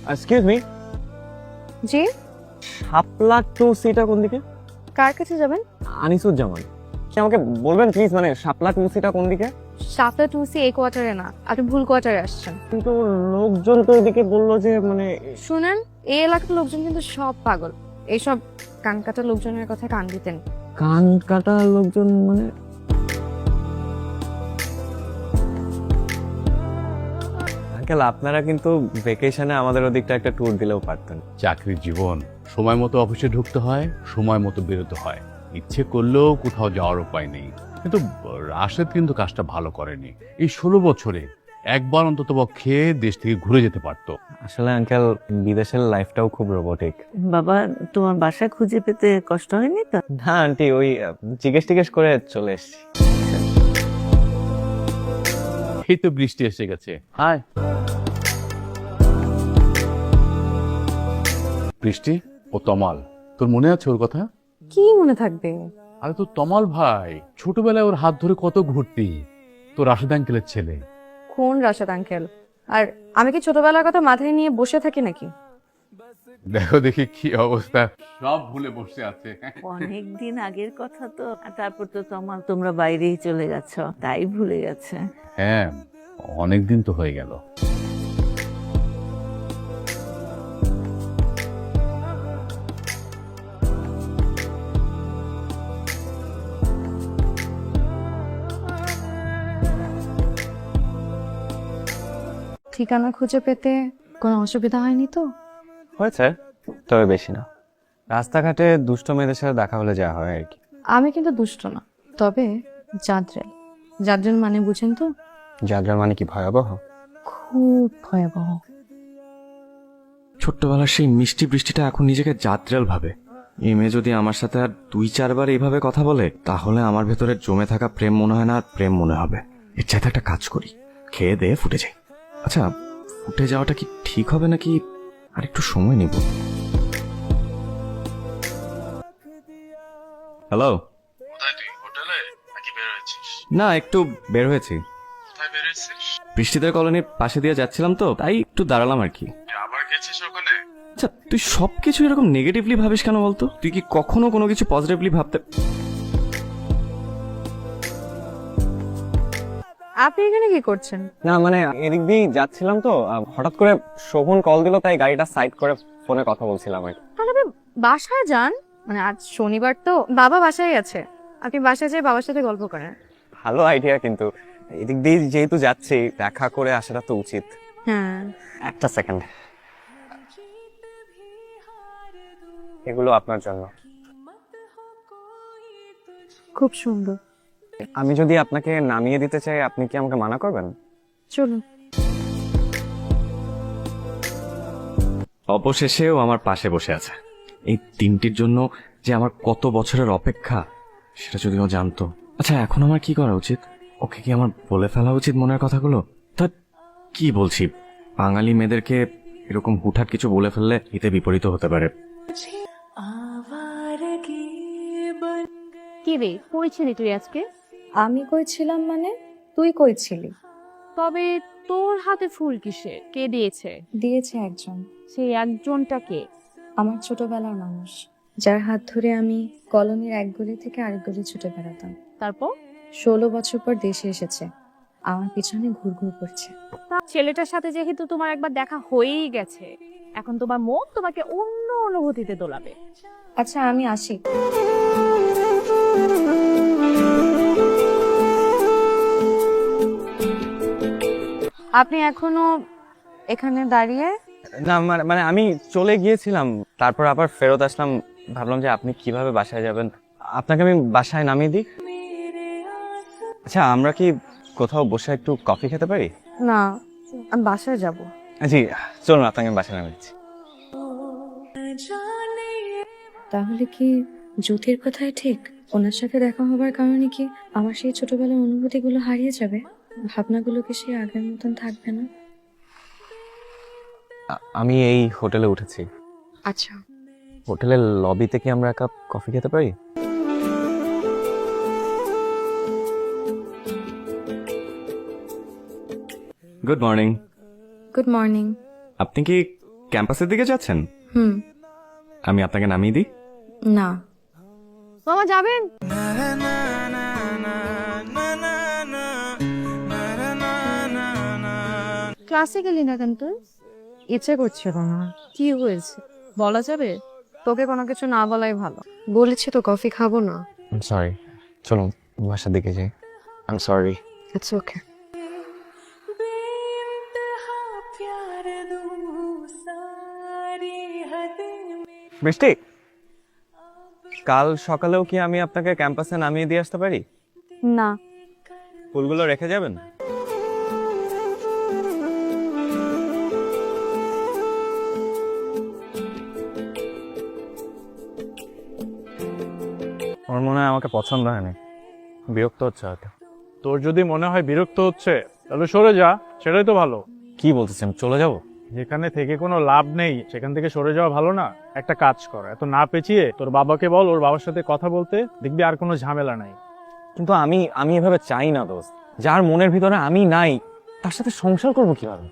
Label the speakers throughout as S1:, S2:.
S1: Excuse me,
S2: জি,
S1: Shapla to সিটা কোন দিকে?
S2: কার কাছে যাবেন?
S1: আনিসুজ্জামান, কি আমাকে বলবেন প্লিজ, মানে শাপলা টু সিটা কোন দিকে?
S2: সাতটা টুসি এই কোয়ার্টারে না, আপনি ভুল কোয়ার্টারে আসছেন।
S1: কিন্তু লোকজন তো এদিকে বললো যে মানে
S2: শুনেন, এই এলাকার লোকজন কিন্তু সব পাগল। এইসব কানকাটা লোকজনের কথা কান দিতেন।
S1: কান কাটা লোকজন মানে আঙ্কেল, আপনারা কিন্তু ভেকেশনে আমাদের ওদিকটা একটা ট্যুর দিলেও পারতেন।
S3: চাকরির জীবন, সময় মতো অফিসে ঢুকতে হয়, সময় মতো বেরোতে হয়। ইচ্ছে করলেও কোথাও যাওয়ার উপায় নেই। কিন্তু রাশেদ কিন্তু কাজটা ভালো করেনি। এই 16 বছরে একবার অন্তত পক্ষে দেশ থেকে ঘুরে যেতে পারতো।
S1: আসলে আঙ্কেল, বিদেশের লাইফটাও খুব রোবোটিক।
S4: বাবা, তোমার বাসা খুঁজে পেতে কষ্ট হয়নি তো?
S1: না আন্টি, ওই জিজ্ঞেস করে চলে এসেছি।
S3: এই তো বৃষ্টি এসে গেছে। হায় বৃষ্টি, ও তমাল, তোর মনে আছে ওর কথা?
S2: কি মনে থাকবে?
S3: আরে তো তমাল ভাই, ছোটবেলায় ওর হাত ধরে কত ঘুরতি। তোর রাশেদ আঙ্কেলের ছেলে।
S2: কোন রাশেদ আঙ্কেল? আর আমি কি ছোটবেলার কথা মাথায় নিয়ে বসে থাকি নাকি?
S3: দেখো দেখি কি অবস্থা, সব ভুলে বসে আছে।
S4: অনেক দিন আগের কথা তো। আর তারপর তো তোমরা বাইরেই চলে গেছো, তাই ভুলে গেছে।
S3: হ্যাঁ, অনেক দিন তো হয়ে গেল।
S2: ঠিকানা খুঁজে পেতে কোনো অসুবিধা হয়নি তো?
S1: হয়েছে, তবে বেশি না। রাস্তাঘাটে দুষ্ট মেয়েদের সাথে দেখা হলে যা হয় আর কি।
S2: আমি কিন্তু দুষ্ট না, তবে জাদ্রেল। জাদ্রেল মানে বুঝেন তো?
S1: যাত্রা মানে কি ভয়াবহ?
S2: খুব ভয়াবহ।
S5: ছোট্টবেলার সেই মিষ্টি বৃষ্টিটা এখন নিজেকে জাত্রাল ভাবে। এই মেয়ে যদি আমার সাথে আর 2-4 বার এইভাবে কথা বলে, তাহলে আমার ভেতরে জমে থাকা প্রেম মনে হয় না আর প্রেম মনে হবে। এর চাইতে একটা কাজ করি, খেয়ে দিয়ে ফুটে যাই। আচ্ছা, ফুটে যাওয়াটা কি ঠিক হবে নাকি আর একটু সময় নিব? হ্যালো,
S6: কোথায় তুই? হোটেলে নাকি বের হয়েছিস?
S5: না একটু বের হয়েছি।
S6: কোথায় বের হয়েছিস?
S5: বৃষ্টিদের কলোনির পাশে দিয়ে যাচ্ছিলাম তো, তাই একটু দাঁড়ালাম আর কি।
S6: তুই আবার গেছিস ওখানে?
S5: আচ্ছা, তুই সবকিছু এরকম নেগেটিভলি ভাবিস কেন বলতো? তুই কি কখনো কোনো কিছু পজিটিভলি ভাবতে?
S2: আপনি এখানে কি করছেন?
S1: না মানে এদিক দিয়েই যাচ্ছিলাম তো, হঠাৎ করে শোভন কল দিল, তাই গাড়িটা সাইড করে ফোনে কথা বলছিলাম আর কি।
S2: তাহলে আপনি বাসায় যান, মানে আজ শনিবার তো, বাবা বাসায় আছে। আপনি বাসায় যেয়ে বাবার সাথে গল্প করেন।
S1: ভালো আইডিয়া, কিন্তু এদিক দিয়ে যেহেতু যাচ্ছি, দেখা করে আসাটা তো উচিত।
S2: হ্যাঁ,
S1: একটা সেকেন্ড, এগুলো আপনার জন্য।
S2: খুব সুন্দর।
S1: আমি যদি আপনাকে নামিয়ে দিতে চাই, আপনি কি আমাকে মানা করবেন?
S2: চলুন।
S5: অবশেষেও আমার পাশে বসে আছে। এই দিনটির জন্য যে আমার কত বছরের অপেক্ষা, সেটা যদি ও জানতো। আচ্ছা, এখন আমার কি করা উচিত? ওকে কি আমার বলে ফেলা উচিত মনের কথাগুলো? তা কি বলছি, বাঙালি মেয়েদেরকে এরকম হুটহাট কিছু বলে ফেললে এতে বিপরীত হতে পারে।
S2: কি রে, কই ছিলি তুই আজকে? আমি কই ছিলাম মানে? তুই কই ছিলি? তবে তোর হাতে ফুল কিসে? কে দিয়েছে?
S7: দিয়েছে একজন,
S2: সেই একজনটা কে?
S7: আমার ছোটবেলার মানুষ, যার হাত ধরে আমি কলোনির এক গলি থেকে আরেক গলি ছুটে বেড়াতাম।
S2: তারপর
S7: 16 বছর পর দেশে এসেছে, আমার পিছনে ঘুরঘুর করছে।
S2: ছেলেটার সাথে যেহেতু তোমার একবার দেখা হয়েই গেছে, এখন তোমার মন তোমাকে অন্য অনুভূতিতে দোলাবে।
S7: আচ্ছা, আমি আসি।
S2: আপনি এখনো এখানে দাঁড়িয়ে?
S1: না মানে মানে আমি চলে গিয়েছিলাম, তারপর আবার ফেরত আসলাম। ভাবলাম যে আপনি কিভাবে বাসায় যাবেন, আপনাকে আমি বাসায় নামিয়ে দিই। আচ্ছা, আমরা কি কোথাও বসে একটু কফি খেতে পারি?
S2: না, আমি বাসায় যাব।
S1: জি, চলুন আপনাকে আমি বাসায় নামিয়ে দিচ্ছি।
S7: তাহলে কি জ্যোতির কথাই ঠিক? ওনার সাথে দেখা হবার কারণে কি আমার সেই ছোটবেলার অনুভূতিগুলো হারিয়ে যাবে? ভাবনাগুলো কি সেই আগের মতন থাকবে না?
S1: আমি এই হোটেলে উঠেছি।
S2: আচ্ছা,
S1: হোটেলের লবিতে কি আমরা এক কাপ কফি খেতে পারি?
S5: Good morning.
S7: Good morning.
S5: আপনি কি ক্যাম্পাসের দিকে যাচ্ছেন?
S7: হুম।
S5: আমি আপনাকে নামিয়ে দিই।
S7: না,
S2: মামা যাবেন? ক্লাসে গেলি না কেন তুই?
S7: ইচ্ছে করছিল না।
S2: কি হয়েছে বলা যাবে?
S7: তোকে কোনো কিছু না বলাই ভালো। বলেছি তো কফি খাবো না।
S1: সরি, চলুন বাসার দিকে যাই। I am sorry.
S7: It's okay.
S1: বৃষ্টি, কাল সকালেও কি আমি আপনাকে ক্যাম্পাসে নামিয়ে দিয়ে আসতে পারি?
S2: না।
S1: ফুলগুলো রেখে যাবেন? আমার মনে হয় আমাকে পছন্দ হয়নি, বিরক্ত হচ্ছে হয়তো।
S6: তোর যদি মনে হয় বিরক্ত হচ্ছে তাহলে সরে যা, সেটাই তো ভালো।
S1: কি বলতেছেন, চলে যাব?
S6: যেখানে থেকে কোনো লাভ নেই সেখান থেকে সরে যাওয়া ভালো না? একটা কাজ কর, এত না পেঁচিয়ে তোর বাবাকে বল ওর বাবার সাথে কথা বলতে, দেখবি আর কোনো ঝামেলা নাই।
S1: কিন্তু আমি এভাবে চাই না দোস্ত। যার মনের ভিতরে আমি নাই তার সাথে সংসার করব কিভাবে?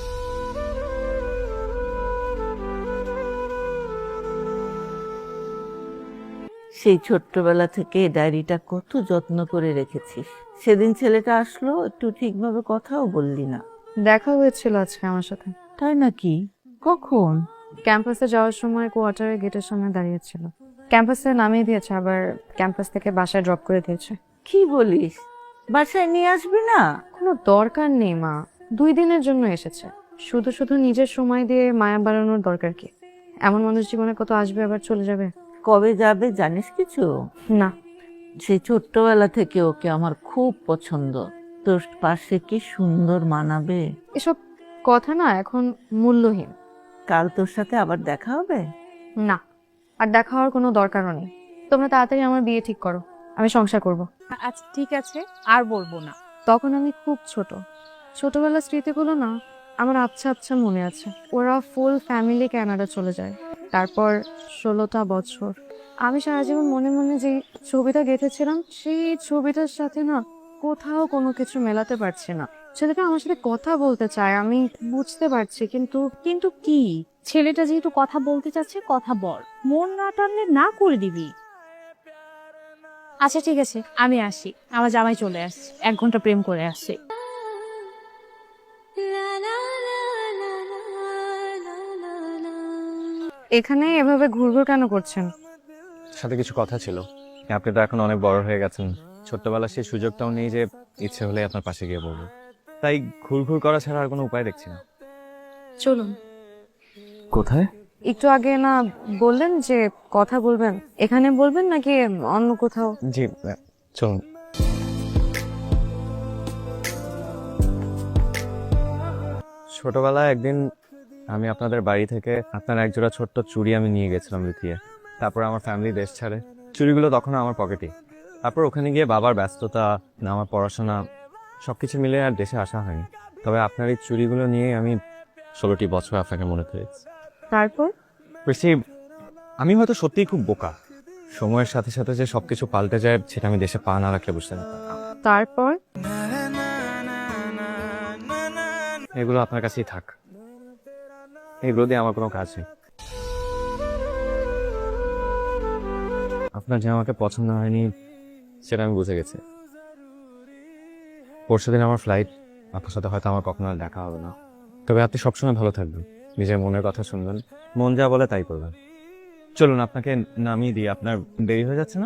S4: সেই ছোট্টবেলা থেকে ডায়েরিটা কত যত্ন করে রেখেছিস। সেদিন ছেলেটা আসলো, একটু ঠিকভাবে কথাও বললি না।
S7: দেখা হয়েছিল আজকে আমার সাথে।
S4: তাই নাকি? কখন?
S7: ক্যাম্পাসে যাওয়ার সময় কোয়ার্টারের গেটের সামনে দাঁড়িয়েছিল। ক্যাম্পাসে নামিয়ে দিয়েছে, আবার ক্যাম্পাস থেকে বাসায় ড্রপ করে দিয়েছে।
S4: কি বলিস? বাসায় নিয়ে আসবি না?
S7: কোনো দরকার নেই মা, 2 দিনের জন্য এসেছে। শুধু শুধু নিজের সময় দিয়ে মায়া বাড়ানোর দরকার কি? এমন মানুষ জীবনে কত আসবে আবার চলে যাবে।
S4: কবে যাবে জানিস কিছু?
S7: না।
S4: সেই ছোট্টবেলা থেকে ওকে আমার খুব পছন্দ। তোর পাশে কি সুন্দর মানাবে।
S7: এসব কথা না এখন মূল্যহীন।
S4: কাল তোর সাথে আবার দেখা হবে?
S7: না, আর দেখা হওয়ার কোনো দরকারও নেই। তোমরা তাড়াতাড়ি আমার বিয়ে ঠিক করো, আমি সংসার করব।
S2: আচ্ছা ঠিক আছে, আর বলবো না।
S7: তখন আমি খুব ছোটবেলার স্মৃতিগুলো না আমার আচ্ছা আচ্ছা মনে আছে। ওরা ফুল ফ্যামিলি কানাডা চলে যায়। তারপর 16টা বছর আমি সারা জীবন মনে মনে যে ছবিটা গেঁথেছিলাম, সেই ছবিটার সাথে না কোথাও কোনো কিছু মেলাতে পারছি না। ছেলেটা আমার সাথে কথা বলতে চায়, আমি বুঝতে পারছি, কিন্তু
S2: কিন্তু কি, ছেলেটা যেহেতু কথা বলতে চাচ্ছে কথা বল, মন না টানলে না করে দিবি। আচ্ছা ঠিক আছে, আমি আসি, আমার জামাই চলে আসছে, 1 ঘন্টা প্রেম করে আসছে।
S7: এখানে এভাবে ঘুরঘুর কেন করছেন?
S1: সাথে কিছু কথা ছিল। আপনি তো এখন অনেক বড় হয়ে গেছেন, ছোট্টবেলার সেই সুযোগটাও নেই যে ইচ্ছে হলে আপনার পাশে গিয়ে বলবো। তাই ঘুরঘুর করা ছাড়া আর কোনো উপায় দেখছি না।
S7: চলুন।
S5: কোথায়?
S7: একটু আগে না বললেন যে কথা বলবেন, এখানে বলবেন নাকি অন্য কোথাও?
S1: জি, চলুন। ছোটবেলায় একদিন আমি আপনাদের বাড়ি থেকে আপনার একজোড়া ছোট্ট চুড়ি আমি নিয়ে গেছিলাম লুকিয়ে। তারপর আমার ফ্যামিলি দেশ ছাড়ে, চুড়িগুলো তখন আমার পকেটে। তারপর ওখানে গিয়ে বাবার ব্যস্ততা, আমার পড়াশোনা সবকিছু মিলে আর দেশে আসা হয়নি। তবে আপনার এই চুড়িগুলো নিয়ে আমি 16টি বছর আপনাকে মনে করেছি।
S7: তারপর
S1: বেশি আমি হয়তো সত্যিই খুব বোকা। সময়ের সাথে সাথে যে সবকিছু পাল্টে যায় সেটা আমি দেশে পা না রাখলে বুঝতে পারতাম না।
S7: তারপর
S1: এগুলো আপনার কাছেই থাক, এগুলো দিয়ে আমার কোনো কাজ নেই। আপনার যে আমাকে পছন্দ হয়নি সেটা আমি বুঝে গেছি। পরশুদিন আমার ফ্লাইট, আপনার সাথে হয়তো আমার কখনো আর দেখা হবে না। তবে আপনি সবসময় ভালো থাকবেন, নিজের মনের কথা শুনবেন, মন যা বলে তাই করবেন। চলুন আপনাকে নামিয়ে দিই, আপনার দেরি হয়ে যাচ্ছে না?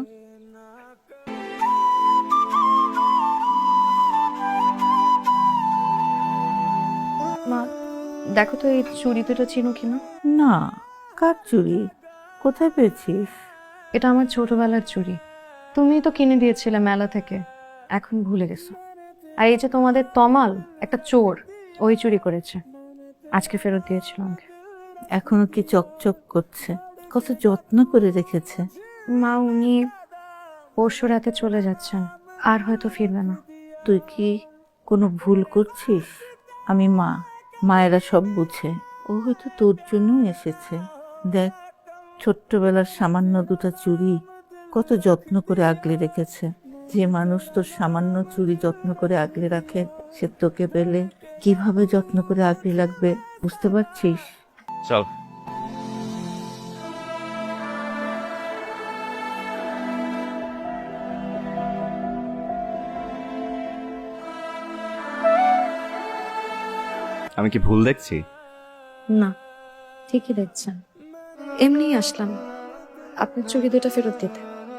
S7: মা দেখো তো এই চুড়ি দুটো চিনো কিনা?
S4: না। কার চুড়ি? কোথায় পেয়েছিস?
S7: এটা আমার ছোটবেলার চুড়ি, তুমি তো কিনে দিয়েছিলে মেলা থেকে, এখন ভুলে গেছো। আর এই যে তোমাদের তমাল, একটা চোর, ওই চুরি করেছে, আজকে ফেরত দিয়েছিল আমাকে।
S4: এখনো কি চকচক করছে? কত যত্ন করে রেখেছে।
S7: মা উনি পরশু রাতে চলে যাচ্ছেন, আর হয়তো ফিরবে না।
S4: তুই কি কোনো ভুল করছিস? আমি মা, মায়েরা সব বুঝে। ও হয়তো তোর জন্যই এসেছে। দেখ, ছোট্টবেলার সামান্য 2টা চুড়ি কত যত্ন করে আগলে রেখেছে। যে মানুষ তোর সামান্য চুড়ি যত্ন করে আগলে রাখে, সে তোকে পেলে কিভাবে যত্ন করে আগলে রাখবে বুঝতে পারছিস?
S1: চল। আমি কি ভুল দেখছি?
S7: না, ঠিকই দেখছেন। এমনিই আসলাম আপনার চুড়ি দুটো ফেরত দিতে।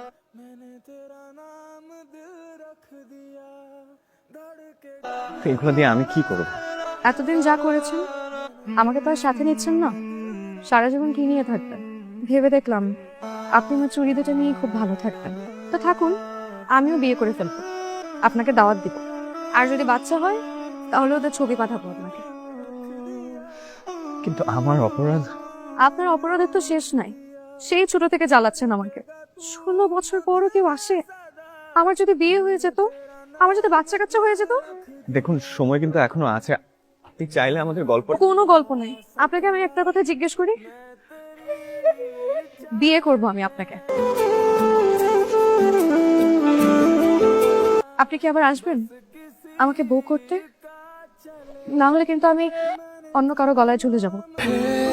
S1: তো এগুলো দিয়ে আমি কি করব?
S7: এতদিন যা করেছেন আমাকে তো আর সাথে নিচ্ছেন না, সারা জীবন কি নিয়ে থাকবেন? ভেবে দেখলাম আপনি আমার চুড়ি দুটো নিয়ে খুব ভালো থাকবেন। তো থাকুন, আমিও বিয়ে করে ফেলবো, আপনাকে দাওয়াত দিব। আর যদি বাচ্চা হয় তাহলে ওদের ছবি পাঠাবো আপনাকে।
S1: কিন্তু আমার অপরাধ।
S7: আপনার অপরাধের তো শেষ নাই, সেই ছোট থেকে জ্বালাচ্ছেন আমাকে। 16 বছর পরও কেউ আসে? আমার যদি বিয়ে হয়ে যেত, আমার যদি বাচ্চা কাচ্চা হয়ে যেত।
S1: দেখুন, সময় কিন্তু এখনো আছে, আপনি চাইলে আমাদের গল্প।
S7: কোনো গল্প নেই। আপনাকে আমি একটা কথা জিজ্ঞেস করি, বিয়ে করব আমি আপনাকে, আপনি কি আবার আসবেন আমাকে বউ করতে? না হলে কিন্তু আমি অন্য কারো গলায় চলে যাব।